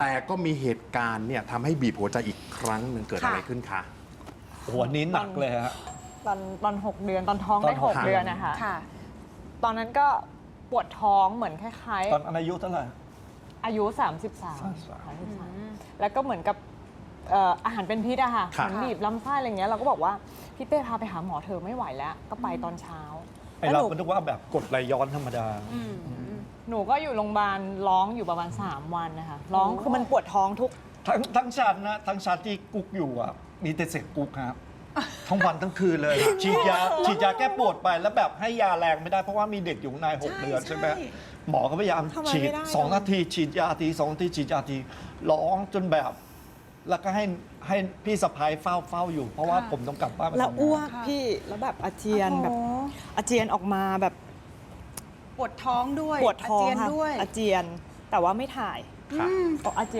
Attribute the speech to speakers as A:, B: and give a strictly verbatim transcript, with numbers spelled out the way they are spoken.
A: แต่ก็มีเหตุการณ์เนี่ยทำให้บีบหัวใจอีกครั้งหนึ่งเกิดอะไรขึ้นคะ
B: โอ้โหอันนี้หนักเลยฮะ
C: ตอนตอนหกเดือนตอนท้องได้
B: ตอน
C: ห
B: ห
C: ก
B: ก
C: เดือนนะคะ
D: ค่ะ
C: ตอนนั้นก็ปวดท้องเหมือนคล้าย
B: ตอนอายุเท่าไหร่
C: ๆ อายุ สามสิบสาม
B: สามสิบสาม
C: สามสิบสามแล้วก็เหมือนกับเอ่ออาหารเป็นพิษอะค่ะ
A: ค่ะ
C: เหมือนบีบลำไส้อะไรเงี้ยเราก็บอกว่าพี่เป้พาไปหาหมอเธอะไม่ไหวแล้ว ก็ไปตอนเช้า
B: ไอ
C: แล้ว
B: เรา
C: หนู
B: ก็นึกว่าแบบกดไหลย้อนธรรมดา
D: อืม
C: หนูก็อยู่โรงพยาบาลร้องอยู่ประมาณสามวันนะคะร้องคือมันปวดท้องทุก
B: ทั้งทั้งชั้นนะทั้งชั้นที่กุ๊กอยู่อ่ะมีแต่เสียงกุ๊กครับ ทั้งวันทั้งคืนเลยฉีดยาฉีดยาแก้ปวดไปแล้วแบบให้ยาแรงไม่ได้เพราะว่ามีเด็กอยู่ในหก
D: ใช่
B: เดือนใช่ไหม
D: ใช่
B: หมอก็พยายาม
D: ทำอะไร
B: ฉีด
D: ไม่ได้
B: สอง
D: เลย
B: นาทีฉีดยาทีสองนาทีฉีดยาทีร้องจนแบบ แล้วก็ให้ให้พี่สะพ้ายเฝ้าเฝ้าอยู่ เพราะว่าผมต้องกลับบ้านไป
C: แล้ว
B: ทำงาน
C: อ้วก
D: ค่ะ
C: พี่แล้วแบบอาเจียนแบบ
D: โอ้โห
C: อาเจียนออกมาแบบ
D: ปวดท้องด้วย
C: ปวดท้อง
D: าเจียน
C: ค่ะ
D: ด้วย
C: อาเจียนแต่ว่าไม่ถ่าย
A: ค่ะ
D: อืม
C: ออกอาเจียน